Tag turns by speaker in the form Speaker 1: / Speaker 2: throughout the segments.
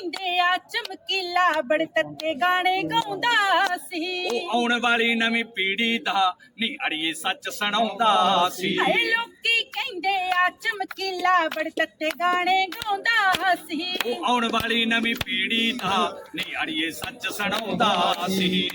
Speaker 1: ਕਹਿੰਦੇ ਆ ਚਮਕੀਲਾ ਬੜੇ ਤੱਤੇ ਗਾਣੇ ਗਾਉਂਦਾ ਸੀ।
Speaker 2: ਉਹ ਆਉਣ ਵਾਲੀ ਨਵੀਂ ਪੀੜ੍ਹੀ ਦਾ ਨੀ ਅੜੀਏ ਸੱਚ ਸੁਣਾਉਂਦਾ ਸੀ।
Speaker 1: ਹਾਏ ਲੋਕੀ ਕਹਿੰਦੇ ਆ ਚਮਕੀਲਾ ਬੜੇ ਤੱਤੇ ਗਾਣੇ ਗਾਉਂਦਾ ਸੀ।
Speaker 2: ਉਹ ਆਉਣ ਵਾਲੀ ਨਵੀਂ ਪੀੜ੍ਹੀ ਦਾ ਨੀ ਅੜੀਏ ਸੱਚ ਸੁਣਾਉਂਦਾ ਸੀ।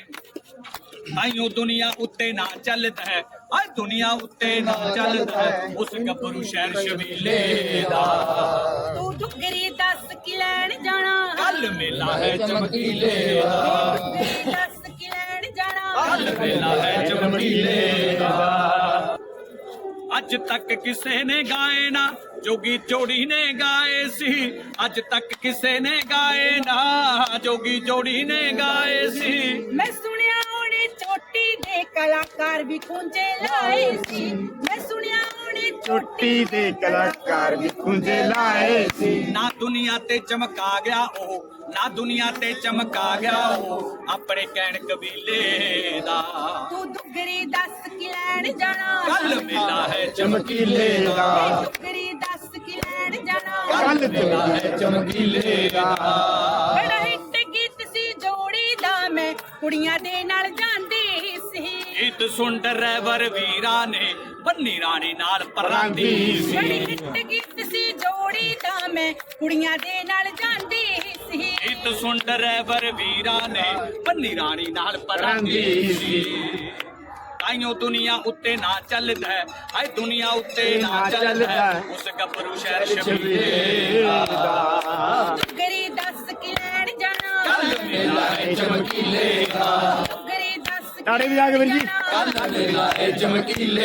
Speaker 2: ਤਾਈਓ ਦੁਨੀਆ ਉੱਤੇ ਨਾ ਚੱਲਦਾ ਹੈ, ਅੱਜ ਦੁਨੀਆ ਉੱਤੇ ਨਾ ਚੱਲਦਾ ਹੈ ਉਸ ਗੱਭਰੂ ਸ਼ਹਿਰ ਸ਼ਬੀਲੇ ਦਾ।
Speaker 1: ਤੂੰ ਦੁੱਗਰੀ ਦੱਸ ਕੀ ਲੈਣ ਜਾਣਾ,
Speaker 2: ਕੱਲ ਮੇਲਾ ਹੈ ਚਮਕੀਲੇ ਦਾ।
Speaker 1: ਦੁੱਗਰੀ ਦੱਸ ਕੀ ਲੈਣ ਜਾਣਾ,
Speaker 2: ਕੱਲ ਮੇਲਾ ਹੈ ਚਮਕੀਲੇ ਦਾ। ਅੱਜ ਤੱਕ ਕਿਸੇ ਨੇ ਗਾਏ ਨਾ ਜੋਗੀ ਜੋੜੀ ਨੇ ਗਾਏ ਸੀ। ਅੱਜ ਤੱਕ ਕਿਸੇ ਨੇ ਗਾਏ ਨਾ ਜੋਗੀ ਜੋੜੀ ਨੇ ਗਾਏ ਸੀ।
Speaker 1: ਮੈਂ ਸੁਣਿਆ ਉਹਨੇ ਚੋਟੀ ਦੇ ਕਲਾਕਾਰ ਵੀ ਖੁੰਝੇ ਲਾਏ ਸੀ। ਮੈਂ ਸੁਣਿਆ ਉਹਨੇ
Speaker 3: ਚੋਟੀ ਦੇ ਕਲਾਕਾਰ ਵੀ ਖੁੰਝੇ ਲਾਏ ਸੀ।
Speaker 2: ਨਾ ਦੁਨੀਆ ਤੇ ਚਮਕਾ ਗਿਆ ਉਹ, ਨਾ ਦੁਨੀਆ ਤੇ ਚਮਕਾ ਗਿਆ ਉਹ ਆਪਣੇ ਕਹਿਣ ਕਬੀਲੇ ਦਾ।
Speaker 1: ਤੂੰ ਦੁੱਗਰੀ ਦੱਸ ਕੀ ਲੈਣ ਜਾਣਾ,
Speaker 2: ਕੱਲ ਮੇਲਾ ਹੈ
Speaker 3: ਚਮਕੀਲੇ ਦਾ।
Speaker 1: ਦੁੱਗਰੀ ਦੱਸ ਕੀ ਲੈਣ ਜਾਣਾ,
Speaker 3: ਕੱਲ ਮੇਲਾ ਹੈ ਚਮਕੀਲੇ ਦਾ।
Speaker 1: ਬੜਾ ਹਿੱਟ ਗੀਤ ਸੀ ਜੋੜੀ ਦਾ, ਮੈਂ ਕੁੜੀਆਂ ਦੇ ਨਾਲ ਜਾਂਦੀ ਸੀ।
Speaker 2: ਗੀਤ ਸੁਣ ਡਰੈਵਰ ਵੀਰਾਂ ਨੇ ਬੰਨੀ ਰਾਣੀ ਨਾਲ ਪਰਾਂਦੀ
Speaker 1: ਬੜੀ
Speaker 2: ਸੀ।
Speaker 1: ਹਿੱਟ ਗੀਤ ਸੀ ਜੋੜੀ ਦਾ, ਮੈਂ ਕੁੜੀਆਂ ਦੇ ਨਾਲ ਜਾਂਦੀ ਸੀ।
Speaker 2: ਗੀਤ ਸੁਣ ਡਰੈਵਰ ਵੀਰਾਂ ਨੇ ਬੰਨੀ ਰਾਣੀ ਨਾਲ ਪਰਾਂਦੀ ਸੀ। ਤਾਈਓ ਦੁਨੀਆ ਉੱਤੇ ਨਾ ਚੱਲਦਾ ਹੈ, ਹਾਏ ਦੁਨੀਆ ਉੱਤੇ ਨਾ ਚੱਲਦਾ ਹੈ ਉਸ ਗੱਭਰੂ ਸ਼ਹਿਰ ਸ਼ਬੀਲੇ ਦਾ।
Speaker 1: ਦੁੱਗਰੀ ਦੱਸ ਕੀ ਲੈਣ ਜਾਣਾ,
Speaker 2: ਕੱਲ ਮੇਲਾ ਹੈ ਚਮਕੀਲੇ ਦਾ।
Speaker 1: ਦੁੱਗਰੀ ਦੱਸ
Speaker 3: ਤਾੜੀ ਵਜਾ ਕੇ ਵੀਰ ਜੀ।
Speaker 2: ਕੱਲ ਮੇਲਾ ਹੈ ਚਮਕੀਲੇ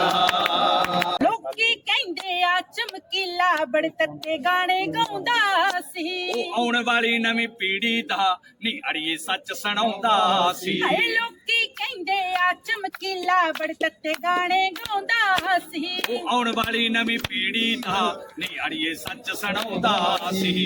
Speaker 2: ਦਾ।
Speaker 1: ਲੋਕੀ ਕਹਿੰਦੇ ਆ ਚਮਕੀਲਾ ਬੜੇ ਤੱਤੇ ਗਾਣੇ ਗਾਉਂਦਾ ਸੀ।
Speaker 2: ਉਹ ਆਉਣ ਵਾਲੀ ਨਵੀਂ ਪੀੜ੍ਹੀ ਦਾ ਨੀ ਅੜੀਏ ਸੱਚ ਸੁਣਾਉਂਦਾ ਸੀ।
Speaker 1: ਹਾਏ ਲੋਕੀ ਕਹਿੰਦੇ ਆ ਚਮਕੀਲਾ ਬੜੇ ਤੱਤੇ ਗਾਣੇ ਗਾਉਂਦਾ ਸੀ।
Speaker 2: ਉਹ ਆਉਣ ਵਾਲੀ ਨਵੀਂ ਪੀੜ੍ਹੀ ਦਾ ਨੀ ਅੜੀਏ ਸੱਚ ਸੁਣਾਉਂਦਾ ਸੀ।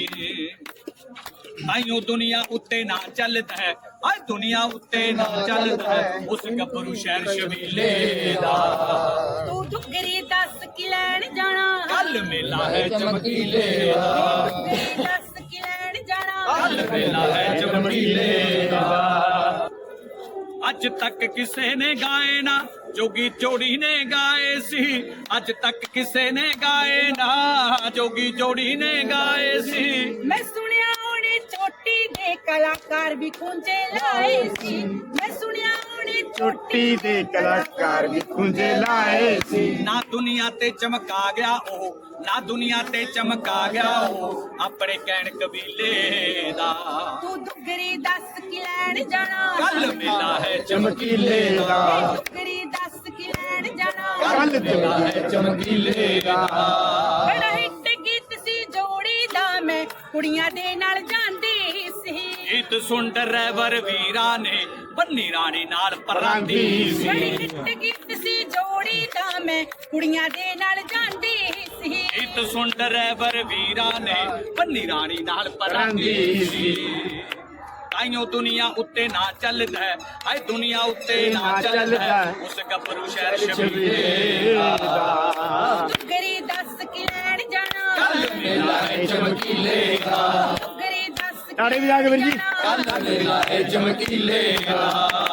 Speaker 2: ਤਾਈਓ ਦੁਨੀਆ ਉੱਤੇ ਨਾ ਚੱਲਦਾ ਹੈ, ਅੱਜ ਦੁਨੀਆ ਉੱਤੇ ਨਾ ਚੱਲਦਾ ਹੈ ਉਸ ਗੱਭਰੂ ਸ਼ਹਿਰ ਸ਼ਬੀਲੇ ਦਾ।
Speaker 1: ਤੂੰ ਦੁੱਗਰੀ ਦੱਸ ਕੀ ਲੈਣ ਜਾਣਾ,
Speaker 2: ਕੱਲ ਮੇਲਾ ਹੈ ਚਮਕੀਲੇ ਦਾ।
Speaker 1: ਦੁੱਗਰੀ ਦੱਸ ਕੀ ਲੈਣ ਜਾਣਾ,
Speaker 2: ਕੱਲ ਮੇਲਾ ਹੈ ਚਮਕੀਲੇ ਦਾ। ਅੱਜ ਤੱਕ ਕਿਸੇ ਨੇ ਗਾਏ ਨਾ ਜੋਗੀ ਜੋੜੀ ਨੇ ਗਾਏ ਸੀ। ਅੱਜ ਤੱਕ ਕਿਸੇ ਨੇ ਗਾਏ ਨਾ ਜੋਗੀ ਜੋੜੀ ਨੇ ਗਾਏ ਸੀ।
Speaker 1: ਮੈਂ ਸੁਣਿਆ ਉਹਨੇ ਚੋਟੀ ਦੇ ਕਲਾਕਾਰ ਵੀ ਖੁੰਝੇ ਲਾਏ ਸੀ। ਮੈਂ ਸੁਣਿਆ ਉਹਨੇ
Speaker 3: ਚੋਟੀ ਦੇ ਕਲਾਕਾਰ ਵੀ ਖੁੰਝੇ ਲਾਏ ਸੀ।
Speaker 2: ਨਾ ਦੁਨੀਆ ਤੇ ਚਮਕਾ ਗਿਆ ਉਹ, ਨਾ ਦੁਨੀਆ ਤੇ ਚਮਕਾ ਗਿਆ ਉਹ ਆਪਣੇ ਕਹਿਣ ਕਬੀਲੇ ਦਾ।
Speaker 1: ਤੂੰ ਦੁੱਗਰੀ ਦੱਸ ਕੀ ਲੈਣ ਜਾਣਾ,
Speaker 2: ਕੱਲ ਮੇਲਾ ਹੈ
Speaker 3: ਚਮਕੀਲੇ ਦਾ।
Speaker 1: ਦੁੱਗਰੀ ਦੱਸ ਕੀ ਲੈਣ ਜਾਣਾ,
Speaker 3: ਕੱਲ ਮੇਲਾ ਹੈ ਚਮਕੀਲੇ ਦਾ।
Speaker 1: ਬੜਾ ਹਿੱਟ ਗੀਤ ਸੀ ਜੋੜੀ ਦਾ, ਮੈਂ ਕੁੜੀਆਂ ਦੇ ਨਾਲ ਜਾਂਦੀ ਸੀ।
Speaker 2: ਗੀਤ ਸੁਣ ਡਰੈਵਰ ਵੀਰਾਂ ਨੇ ਬੰਨੀ ਰਾਣੀ ਨਾਲ ਪਰਾਂਦੀ
Speaker 1: ਬੜੀ
Speaker 2: ਸੀ।
Speaker 1: ਹਿੱਟ ਗੀਤ ਸੀ ਜੋੜੀ ਦਾ, ਮੈਂ ਕੁੜੀਆਂ ਦੇ ਨਾਲ ਜਾਂਦੀ ਸੀ।
Speaker 2: ਗੀਤ ਸੁਣ ਡਰੈਵਰ ਵੀਰਾਂ ਨੇ ਬੰਨੀ ਰਾਣੀ ਨਾਲ ਪਰਾਂਦੀ ਸੀ। ਤਾਈਓ ਦੁਨੀਆ ਉੱਤੇ ਨਾ ਚੱਲਦਾ ਹੈ, ਹਾਏ ਦੁਨੀਆ ਉੱਤੇ ਨਾ ਚੱਲਦਾ ਹੈ ਉਸ ਗੱਭਰੂ ਸ਼ਹਿਰ ਸ਼ਬੀਲੇ ਦਾ।
Speaker 1: ਦੁੱਗਰੀ ਦੱਸ ਕੀ ਲੈਣ ਜਾਣਾ,
Speaker 2: ਕੱਲ ਮੇਲਾ ਹੈ ਚਮਕੀਲੇ ਦਾ।
Speaker 1: ਦੁੱਗਰੀ ਦੱਸ ਕੀ
Speaker 3: ਤਾੜੀ ਵਜਾ ਕੇ ਵੀਰ ਜੀ।
Speaker 1: ਲੈਣ ਜਾਣਾ,
Speaker 2: ਕੱਲ ਮੇਲਾ ਹੈ ਚਮਕੀਲੇ ਦਾ।